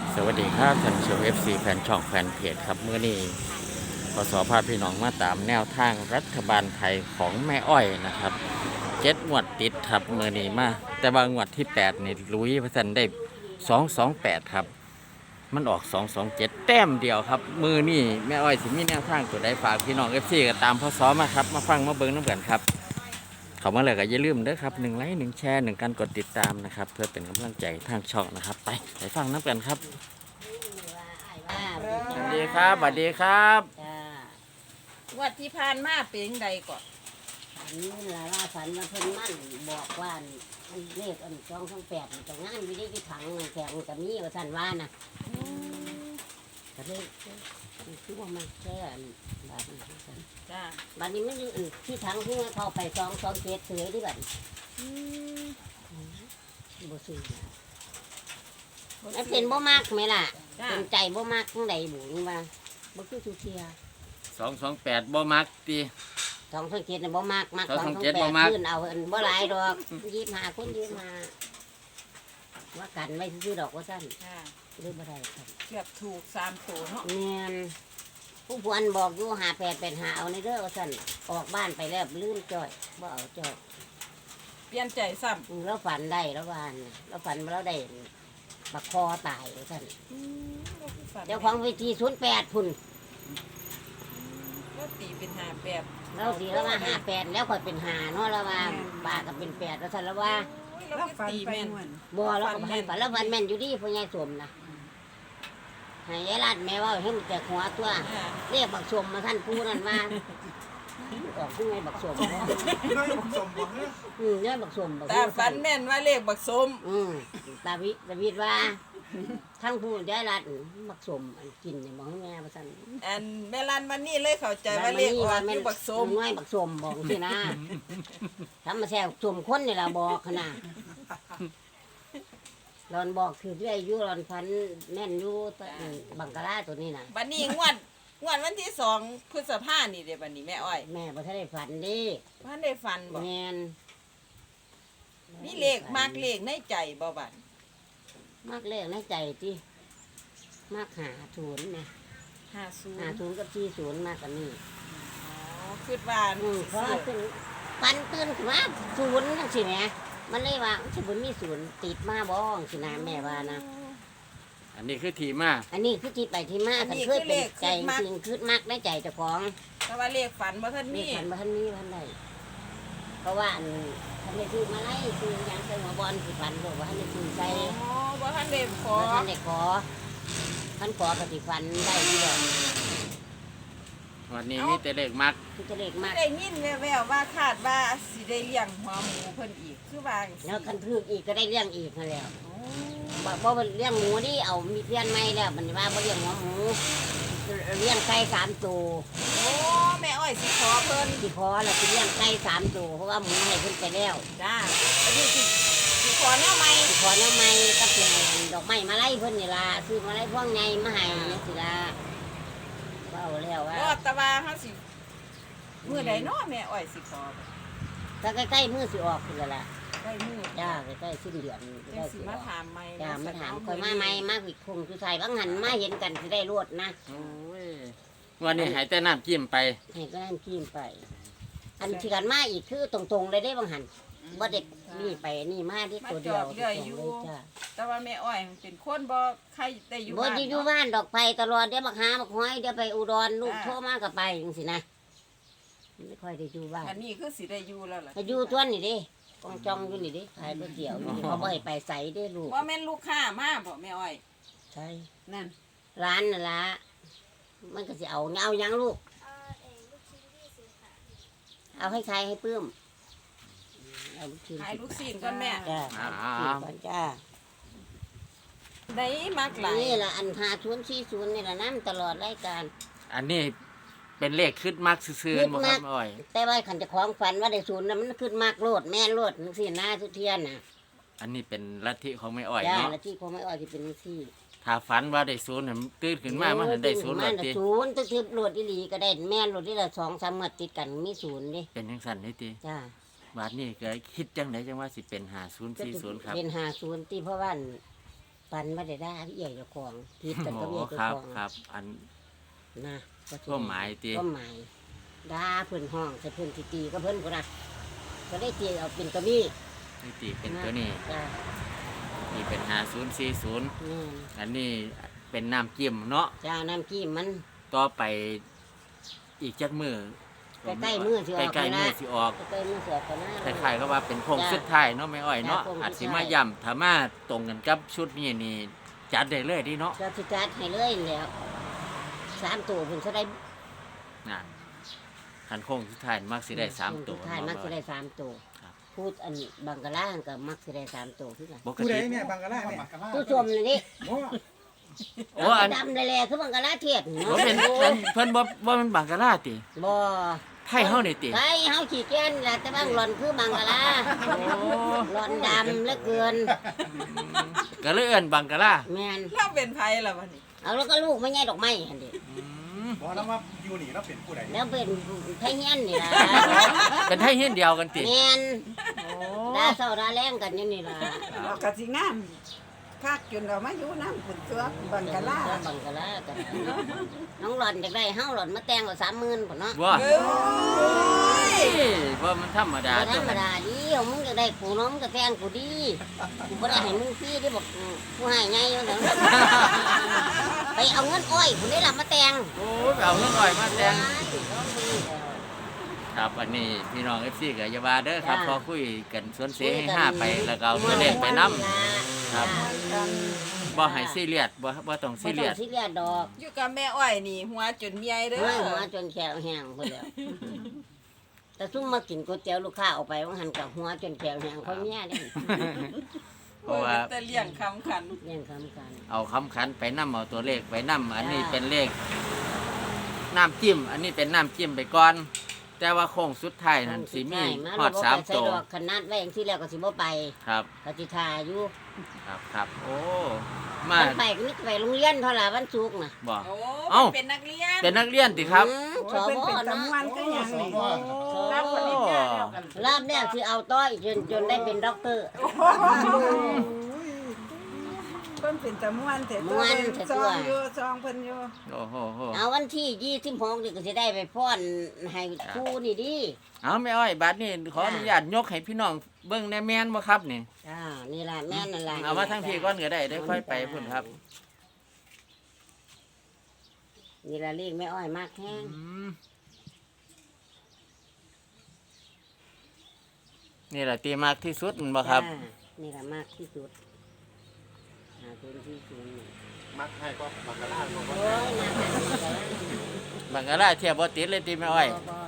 สวัสดีครับท่านผู้ชม FC แฟนช่องแฟนเพจครับเมื่อนี้พศพาพี่น้องมาตามแนวทางรัฐบาลไทยของแม่อ้อยนะครับงวดติดครับเมื่อนี้มาแต่บางงวดที่8นี่ลุยพระสันได้228ครับมันออก227แต้มเดียวครับมือนี่แม่อ้อยสิมีแนวทางตัวใดฝากพี่น้อง FC ก็ตามพศมาครับมาฟังมาเบิ่งน้ำกันครับเขามาเลยก็อย่าลืมเด้อครับ1 ไลค์ 1 แชร์ 1 การกดติดตามนะครับเพื่อเป็นกำลังใจทางช่องนะครับไปฟังน้ำกันครับสวัสดีครับสวัสดีครับจ้าวัดที่ผ่านมาเป็นใดก่อนฝันละว่าฝันว่าเพิ่นมั่นบอกว่ามันเลข228มันจะงานวิธีที่ถังแข็งกับมีว่าสั่นว่านะก็เลยคือว่ามันแค่บาทนี้สั่นจ้าบัดนี้มันยังที่ถังที่มันเข้าไป227เสือที่บัดบ่ซื้อมันเป็นบ่มากไหมล่ะจ้าเป็นใจบ่มากจังใดบุญว่าบ่คือทุกเที่ย 228บ่มักตี 227น่ะบ่มากมาก 227บ่มักขึ้นเอาอันบ่หลายดอก25คน25ว่ากันไว้ซื้อดอกว่าซั่นจ้าหรือบ่ได้ครับเกือบถูก3ตัวเนาะแม่นผู้พวนบอกอยู่5885เอาในเด้อว่าซั่นออกบ้านไปแล้วลืมจ้อยบ่เอาจ้อยเปลี่ยนใจซ้แล้วฝันได้แล้ววานน่ะแล้วฝันว่าเราได้บักคอตายว่าซั่นำเจ้าของเวที08พุ่นก็ตีเป็นหาแบบเราสิแล้วว่า58แล้วค่อยเป็น5เนาะแล้วว่าป้าก็เป็น8แล้วซั่นแล้วว่าเราก็ตีแม่นบ่แล้วก็ให้ฝันแล้วฝันแม่นอยู่ดีพ่อใหญ่สมนะให้ยายรัดแม่ว่าให้มันแตกหัวตัวอ่าเรียกบักสมมาท่านผู้นั่นว่าออกผู้ไงบักสมน้อยผมสมหวังเนี่ยเนี่ยบักสมบักตาฝันแม่นว่าเลขบักสมตาวิดว่าทั้งผู้ยายรัดบักสมอันกินเนี่ยบอกให้แม่มาสั่นอันแม่ลันวันนี้เลยเข้าใจว่าเลขออกอยู่บักสมน้อยบักสมบอกสินะทำมาแซ่บสมคนนี่ล่ะบอกขนาดรอนบอกคือเรื่อยอยู่รอนฟันแม่นอยู่ตบังกะลาตัวนี้น่ะวันนี้งวดวันที่2 พฤษภาคมนี่เด้บัดนี้แม่อ้อยแม่บ่ทันได้ฝันเดิว่าได้ฟันบ่แม่นมีเลขมากเลขในใจบ่บัดมากเลขในใจที่มากหาศูนย์นะหา 50 ศูนย์กับ40มากกันนี่อ๋อคิดว่าเพราะว่าขึ้นปันตื่นขึ้นมาศูนย์จังสิแหมมันเลยว่าสิบ่มีศูนย์ติดมาบ้องสินะแม่ว่านะอันนี้คือทีมาอันนี้คือที่ไปที่มาคันเคยเป็นใจจริงคือมากในใจเจ้าของแต่ว่าเลขฝันบ่ทันนี่มีพันบ่ทันนี้พันใดเพราะว่าอันทันได้ซื้อมาไล่ซื้อหยังใส่หัวบอลสิพันบอกว่าทันได้ซื้อใส่อ๋อบ่ทันได้ขอบ่ทันได้ขอพันขอกสิฟันได้ที่ดอกวันนี้มีแต่เลขมักคือจะเล็กมากได้ยินแว่วๆว่าคาดว่าสิได้เลี้ยงหัวหมูเพิ่นอีกคือว่าจังแล้วซี้คันทึกอีกก็ได้เลี้ยงอีกนั่นแหล้วโอ้บ่เลี้ยงหมูนี่เอามีเพี้ยนไม่แล้วมันว่าบ่เลี้ยงหัวหมูเลี้ยงไก่3ตัวโอ้แม่อ้อยสิขอเพิ่นสิพอแล้วสิเลี้ยงไก่3ตัวเพราะว่าหมูให้เพิ่นไปแล้วจ้าอันนี้สิขอแนวใหม่สิขอแนวไม้กับสิให้ดอกไม้มาไล่เพิ่นนี่ล่ะซื้อมาไล่พวงใหญ่มาให้นี่สิล่ะเว้าแล้วว่ารอดแตะว่าเฮาสิมื้อใดเนาะแม่อ้อยสิขอถ้าใกล้ๆมื้อสิออกพุ่นแล้วล่ะได้มื้อจ้าใกล้ๆสิ้นเดือนจัได้งสิสิอมาอกถามใหม่จ้ามาถามเคอยมาใหม่มาผิดคงคือใส่บางหันมาเห็นกันสิได้รวดนะโอ้ยวันนี้ใหายแต่น้ำจิ้มไปให้ก็นั่นกินไป อันที่กันมาอีกคือตรงๆเลยได้บางหันบ่เด็กนี่ไปนี่มาที่ตัวเดียวตรงๆเลยจ้าแต่ว่าแม่อ้อยเป็นคนบ่ใครได้อยู่บ่บ้านได้อยู่บ้านดอกไปตลอดเดี๋ยวบักหาบักห้อยเดี๋ยวไปอุดรลูกโทรมาก็ไปจังซี่นะไม่ค่อยได้อยู่บ้านอันนี้คือสิได้อยู่แล้วล่ะไปอยู่ตัวนี่เดิกองจองอยู่นี่เดิขายก๋วยเตี๋ยวอยู่นี่เขาบ่ให้ไปใส่เด้ลูกว่าแม่นลูกค้ามาบ่แม่อ้อยใช่นั่นร้านนั่นล่ะมันก็สิเอาหยังลูกเอาให้ใครให้ปื้มเอาลูกชิ้นขายลูกศิษย์ก่อนแม่จ้าขายลูกชิ้นก่อนจ้าได้มักหลายนี่ล่ะอัน5040นี่ล่ะน้ำตลอดรายการอันนี้เป็นเลขขึ้นมักซื่อๆบ่ครับแม่อ้อยแต่ว่าขันเจะของฝันว่าได้ศูนย์น่ะมันขึ้นมากโลดแม่นโลดจังซี่นะทุกเทียนน่ะอันนี้เป็นลัทธิของแม่อ้อยจ้าเนาะแล้วที่คงไม่ออกที่เป็นจังซี่ถ้าฝันว่าได้ศูนย์น่ะตื่นขึ้นมามันได้ศูนย์มาแล้วน่ะติศูนย์ตึกๆโลดอีหลีก็ได้แม่นโลดที่ละ2-3มื้อติดกันมีศูนย์เดิเป็นจังซั่นนี่ติจ้าบาดนี้ก็คิดจังไดจังว่าสิเป็น5040ครับเป็น50ที่เพราะว่าปันมาได้ด่าพี่ใหญ่เจ้าของผิดกันโอ้ก็พี่ใหญ่ครัเจ้าบของครับอันนะก็สิก็หมายตีก็หมายด่าเพิ่นห้องใส่เพิ่นสิตีก็เพิ่นพุ่นน่ะก็ได้ตีเอาเป็นตัวนี้นี่ตีเป็นตัวนี้จ้านี่เป็น5040 แม่นอันนี้เป็นน้ำจิ้มเนาะจ้าน้ำกี้มันต่อไปอีกจักมือใกล้ๆมื้อสิออกใกล้ๆไปนะมือสิออกก็เติมมือเสือกันหน้าคล้ายๆก็ว่าเป็นโค้งสุดท้ายเนาะไม่อ้อยเนาะจ้ะโค้งสุดท้ายอาจสิมาย่ำถ้ามาตรงกันกับชุดนี้นี่จัดได้เลยดิเนาะก็สิจัดให้เลยแล้ว3ตัวเพิ่นสิได้นั่นคันโค้งสุดท้ายมักสิได้3ตัวสุดท้ายมักสิได้3ตัวครับพูดอันบังกะลาก็มักสิได้3ตัวคือกันปกผู้ใดติเนี่ยบังกะลาเนี่ยผู้ชมนี่โอ้โอ้อันดำเลยแหละคือบังกะลาเทียดบ่เป็นเพิ่นบ่มันบังกะลาติบ่ไทยเฮานี่ติไอ้เฮาขี้แก่นแหละแต่บางหล่อนคือบังกะลาโอ้หล่อนดำเหลือเกินก็เลยเอิ้นบังกะลาแม่นเราเป็นไผล่ะบัดนี้เอาแล้วก็ลูกไม่ใช่ดอกไม้หั่นดิอืมบอกแล้วว่าอยู่นี่เราเป็นผู้ใดแล้วเป็นไทเฮียนนี่ล่ะเป็นไทยเฮียนเดียวกันติแม่นโอ้ดาเศร้าดาแรงกันอยู่นี่ล่ะเรากะสิงามคักจนเรามาอยู่น้ำขุนตัวบังกะลาบังกะลากันน้องหล่อนอยากได้เฮาหล่อนมาแต่งเอา30,000พุ่นเนาะบ่เอ้ยว่ามันธรรมดาบ่ธตัรวรมนั้นดาดิเอามึงจะได้กูเน้องก็แต่งกูดีกูบ่ได้ให้มึงฟรีดิบอกกูให้ไงอยู่เถอะไปเอาเงินอ้อยผู้ได้รับมาแต่งโอ้ยไปเอาเงินอ้อยมาแต่งว้ายร้องดีแล้วครับอันนี้พี่น้อง FC ก็อย่าว่าเด้อครับจ้าพอคุยกันสวนเสให้ห้าไปแล้วก็เอาตัวเลขไปนํ ครับ บ่ให้ซีเรียสบ่ต้องซีซีเรียสซีเรียสดอกอยู่กับแม่อ้อยนี่หัวจนเมียเด้อเฮ้ยหัวจนแขวแห้งพุ่นแล้วแต่ซุ่มมากินก๋วยเตี๋ยวลูกค้าเอาไปว่าหันกับหัวจนแขวแห้งคนเนี้ยเด้เพราะว่าแต่เลี้ยงคำขันเรียนคำกันเอาคำขันไปนํเอาตัวเลขไปนํอันนี้เป็นเลขน้ำจิ้ม อันนี้เป็นน้ำจิ้มไปก่อน แต่ว่าโค้งสุดท้ายนั่นสิมีฮอด3 ตัตัว วขนาดไว้อย่างที่แล้วก็สิบ่ไปครับก็สิทาอยู่ครับโอ้มามันไปก็นึกไปโรงเรียนเท่าไหร่วันศุกร์น่ะบ่โอ้เอ้าเป็นนักเรียนเป็นนักเรียนติครับสเป็นบเป็นเนาะตำวันก็ยังนี่รับปริญญาแล้วกันรอบแรกสิเอาต้อยจนได้เป็นด็อกเตอร์เพิ่นเป็นตำวันแต่ตัวม่วนเพิ่นแต่ซตัอวงอยู่ซองเพิ่นอยู่โอ้โหเอาวันที่26นี่ก็สิได้ไปฟ้อนให้ครูนี่ดิเอาแม่อ้อยบัดนี้ขออนุญาตยกให้พี่น้องเบิ่งแน่แม่นบ่ครับนี่จ้านี่ล่ะแม่นนั่นล่ะเอามาทั้งพี่ก่อนก็ได้ได้ค่อยไปพุ่นครับนี่ล่ะเลขแม่อ้อยมากแฮงอืมนี่แหละตีมากที่สุดแมันบ่ครับจ้านี่ล่ะมากที่สุด0ที่0 มักให้ก็บังกะลาบอกว่าโอ้ยนะบังกะลาเทียบบ่ติดเลยตีแม่อ้อย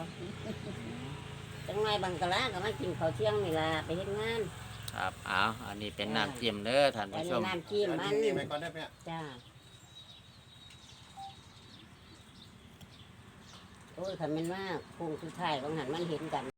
จังไรบังกะลาก็มากินข้าวเที่ยงนี่ล่ะไปเฮ็ดงานครับเอาอันนี้เป็นน้ำจิ้มเด้อท่านอันผู้ชนี้มน้ำจิ้มมันนี่ไปก่อนได้ไหมจ้าโอ้ยคันแม่นว่าคงสุดท้ายบางหันมันเห็นกัน